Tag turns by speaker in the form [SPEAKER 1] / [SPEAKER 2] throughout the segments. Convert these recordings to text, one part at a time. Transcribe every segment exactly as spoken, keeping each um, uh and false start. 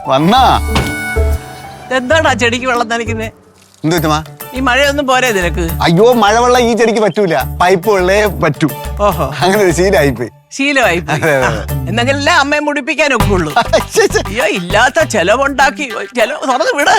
[SPEAKER 1] വന്നാ
[SPEAKER 2] എന്താടാ ചെടിക്ക് വെള്ളം നനയ്ക്കുന്നേ?
[SPEAKER 1] എന്ത് പറ്റുമാ?
[SPEAKER 2] ഈ മഴയൊന്നും പോരെ നിനക്ക്?
[SPEAKER 1] അയ്യോ, മഴവെള്ളം ഈ ചെടിക്ക് പറ്റൂല, പൈപ്പ് വെള്ളേ പറ്റൂ.
[SPEAKER 2] ഓഹോ,
[SPEAKER 1] അങ്ങനെ ഒരു ശീലമായിപ്പോയി.
[SPEAKER 2] ശീലമായി എന്നെങ്കിലല്ലേ അമ്മയെ മുടിപ്പിക്കാനൊക്കെ ഉള്ളൂ. അയ്യോ, ഇല്ലാത്ത ചെലവുണ്ടാക്കി ചെലവ് തുറന്ന് വിട്.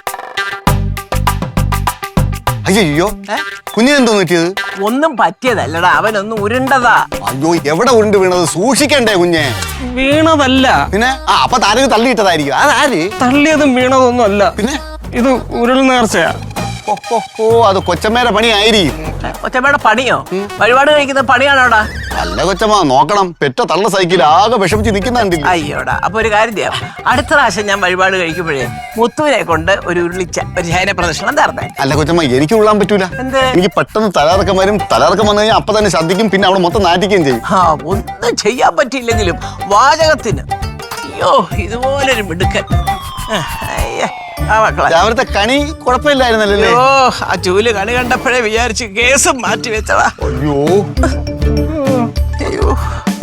[SPEAKER 1] അയ്യോ, കുഞ്ഞിനെന്തോ പറ്റിയത്?
[SPEAKER 2] ഒന്നും പറ്റിയതല്ലടാ, അവനൊന്നും ഉരുണ്ടതാ.
[SPEAKER 1] അയ്യോ, എവിടെ ഉരുണ്ട് വീണത്? സൂക്ഷിക്കണ്ടേ കുഞ്ഞെ?
[SPEAKER 3] വീണതല്ല.
[SPEAKER 1] പിന്നെ ആ അപ്പൊ താരക്ക് തള്ളിയിട്ടതായിരിക്കും. അതാര്
[SPEAKER 3] തള്ളിയതും വീണതൊന്നും അല്ല. പിന്നെ ഇത് ഉരുൾ നേർച്ചയാ.
[SPEAKER 1] ഓ, അത് കൊച്ചമ്മയുടെ പണിയായിരിക്കും.
[SPEAKER 2] കൊച്ചമ്മയുടെ പണിയോ? വഴിപാട് കഴിക്കുന്ന പണിയാണോടാ?
[SPEAKER 1] അല്ല കൊച്ചമ്മ, നോക്കണം, പെറ്റ തള്ള സൈക്കിൾ ആകെ വിഷമിച്ച് നിൽക്കുന്നുണ്ടില്ല.
[SPEAKER 2] അയ്യോടാ, അപ്പൊ ഒരു കാര്യം ചെയ്യാം. അടുത്ത പ്രാവശ്യം ഞാൻ വഴിപാട് കഴിക്കുമ്പോഴേ മുത്തുവിനെ കൊണ്ട് ഒരു ഉരുളിച്ച ഒരു ശയന പ്രദർശനം തരണേ.
[SPEAKER 1] അല്ല കൊച്ചമ്മ, എനിക്ക് ഉള്ളാൻ പറ്റൂല.
[SPEAKER 2] എന്ത്?
[SPEAKER 1] എനിക്ക് പെട്ടെന്ന് തലകറക്കം വരും. തലകറക്കം വന്നു കഴിഞ്ഞാൽ അപ്പൊ തന്നെ ശ്രദ്ധിക്കും, പിന്നെ അവിടെ മൊത്തം നാറ്റിക്കുകയും ചെയ്യും.
[SPEAKER 2] ആ, ഒന്നും ചെയ്യാൻ പറ്റിയില്ലെങ്കിലും വാചകത്തിന് അയ്യോ ഇതുപോലൊരു മിടുക്കൻ.
[SPEAKER 1] രാവിലത്തെ കണി കുഴപ്പമില്ലായിരുന്നല്ലേ?
[SPEAKER 2] ഓ, ആ ചൂല് കണി കണ്ടപ്പോഴേ വിചാരിച്ച് കേസും മാറ്റി വെച്ചതാ.
[SPEAKER 1] അയ്യോ,
[SPEAKER 2] അയ്യോ,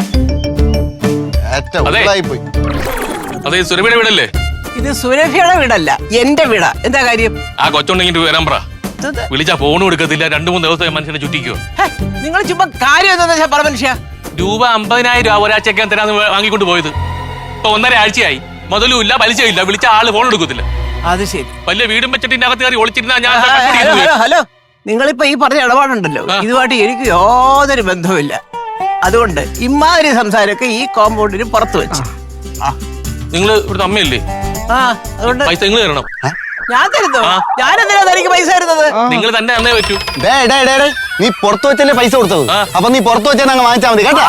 [SPEAKER 1] പോയി.
[SPEAKER 4] അതെ, സുരഭിയുടെ വീടല്ലേ
[SPEAKER 2] ഇത്? സുരഭിയുടെ വീടല്ല, എന്റെ വീടാ. എന്താ കാര്യം?
[SPEAKER 4] ആ കൊച്ചുണ്ടെങ്കിൽ വരാൻ പറ. വിളിച്ചാ ഫോണും എടുക്കത്തില്ല. രണ്ടു മൂന്ന് ദിവസം മനുഷ്യനെ ചുറ്റിക്കോ.
[SPEAKER 2] നിങ്ങൾ ചുമ്മാ കാര്യം എന്താ പറ മനുഷ്യ.
[SPEAKER 4] രൂപ അമ്പതിനായിരം രൂപ ഒരാഴ്ചക്കാൻ തരാന്ന് വാങ്ങിക്കൊണ്ട് പോയത് ഇപ്പൊ ഒന്നര ആഴ്ചയായി. മുതലും ഇല്ല, പലിശയും ഇല്ല. വിളിച്ച ആള് ഫോൺ എടുക്കത്തില്ല.
[SPEAKER 2] അത് ശരി.
[SPEAKER 4] വലിയ വീടും വെച്ചിട്ട് അകത്ത് കയറി ഒളിച്ചിരുന്ന ഞാൻ.
[SPEAKER 2] ഹലോ ഹലോ, നിങ്ങളിപ്പോ ഈ പറഞ്ഞ ഇടപാടുണ്ടല്ലോ, ഇതുമായിട്ട് എനിക്ക് യാതൊരു ബന്ധവുമില്ല. അതുകൊണ്ട് ഇമാതിരി സംസാരമൊക്കെ ഈ കോമ്പൗണ്ടിന് പുറത്ത് വെച്ച്.
[SPEAKER 4] നിങ്ങൾ ഇവിടുത്തെ അമ്മയല്ലേ?
[SPEAKER 2] ആ, അതുകൊണ്ട്
[SPEAKER 4] പൈസ നിങ്ങൾ തരണം.
[SPEAKER 2] ഞാൻ തരുന്നോ? ഞാനെന്തിനാ തനിക്ക് പൈസ തരുന്നത്?
[SPEAKER 4] നിങ്ങൾ തന്നെ തന്നേ പറ്റൂ.
[SPEAKER 1] നീ പുറത്തു വെച്ചല്ലേ പൈസ കൊടുത്തത്? അപ്പൊ നീ പുറത്തു വെച്ചാൽ അങ്ങ് വാങ്ങിച്ചാൽ മതി കേട്ടോ.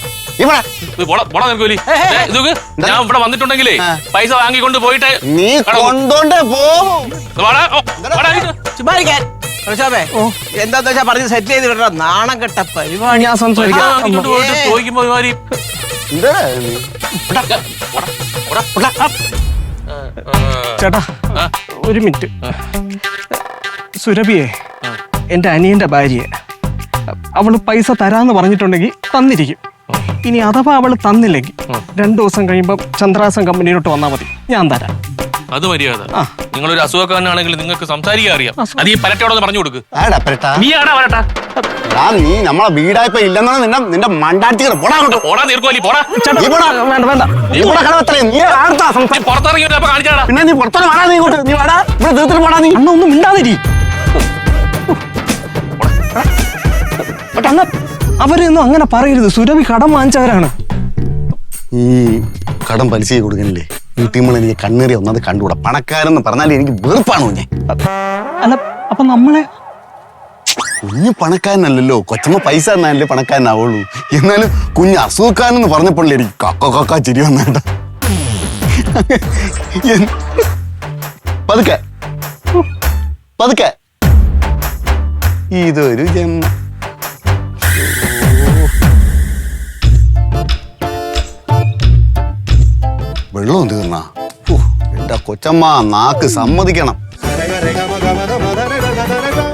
[SPEAKER 4] ഞാൻ ഇവിടെ വന്നിട്ടുണ്ടെങ്കിലേ പൈസ വാങ്ങിക്കൊണ്ട് പോയിട്ട്
[SPEAKER 1] നീ കൊണ്ടോണ്ടേ പോവും.
[SPEAKER 2] ചുമ്മാരിക്കാൻ എന്താന്ന് വെച്ചാ പറഞ്ഞ് സെറ്റ് ചെയ്ത് വിടണം. നാണം കെട്ട പരിപാടി.
[SPEAKER 3] ഞാൻ സംസാരിക്കാം.
[SPEAKER 4] ചോദിക്കുമ്പോ
[SPEAKER 3] ചേട്ടാ ഒരു മിനിറ്റ്. സുരഭിയെ എന്റെ അനിയന്റെ ഭാര്യയെ അവള് പൈസ തരാന്ന് പറഞ്ഞിട്ടുണ്ടെങ്കിൽ തന്നിരിക്കും. ഇനി അഥവാ അവള് തന്നില്ലെങ്കിൽ രണ്ടു ദിവസം കഴിയുമ്പോ ചന്ദ്രാസൻ കമ്പനിയിലോട്ട് വന്നാൽ മതി, ഞാൻ തരാം.
[SPEAKER 4] അത് മര്യാദ. നിങ്ങളൊരു അസുഖക്കാരനാണെങ്കിൽ നിങ്ങൾക്ക് സംസാരിക്കാൻ അറിയാം. അത് ഈ പരട്ടയോടൊന്ന് പറഞ്ഞു കൊടുക്ക്.
[SPEAKER 1] നീ നമ്മളെ വീടായപ്പോ ഇല്ലെന്നാണ് നിന്നെ നിന്റെ മണ്ടാട്ടി.
[SPEAKER 4] പോടാ നീർക്കോലി, പോടാ.
[SPEAKER 3] വേണ്ട വേണ്ട.
[SPEAKER 4] പുറത്തിറങ്ങിയപ്പോ കാണിച്ചാടാ.
[SPEAKER 1] പിന്നെ നീ പുറത്തോട്ട് വാടാ. നീ ഇങ്ങോട്ട് നീ വാടാ. ഇവിടെ തീർത്തിട്ട് പോടാ. നീ
[SPEAKER 3] അണ്ണ ഒന്നും മിണ്ടാതിരി. അവരൊന്നും അങ്ങനെ പറയരുത്. സുരഭി കടം വാങ്ങിച്ചവരാണ്.
[SPEAKER 1] ഈ കടം പലിശ കൊടുക്കണില്ലേ വീട്ടിൽ എനിക്ക് കണ്ണേറി ഒന്നത് കണ്ടുകൂടാ. പണക്കാരെന്ന് പറഞ്ഞാൽ എനിക്ക് വെറുപ്പാണോ? ഞാൻ
[SPEAKER 3] അല്ല, അപ്പൊ നമ്മളെ
[SPEAKER 1] കുഞ്ഞ് പണക്കാരനല്ലല്ലോ. കൊച്ചമ്മ പൈസ തന്നാലല്ലേ പണക്കാരനാവുള്ളൂ. എന്നാലും കുഞ്ഞ് അസുഖക്കാരനെന്ന് പറഞ്ഞപ്പോഴേ എനിക്ക് കക്ക കക്ക ചിരി വന്നേട്ട. പതുക്കെ പതുക്കെ. ഇതൊരു ജന്മ. വെള്ളം തീർന്നാ? എന്റെ കൊച്ചമ്മ നാക്ക് സമ്മതിക്കണം.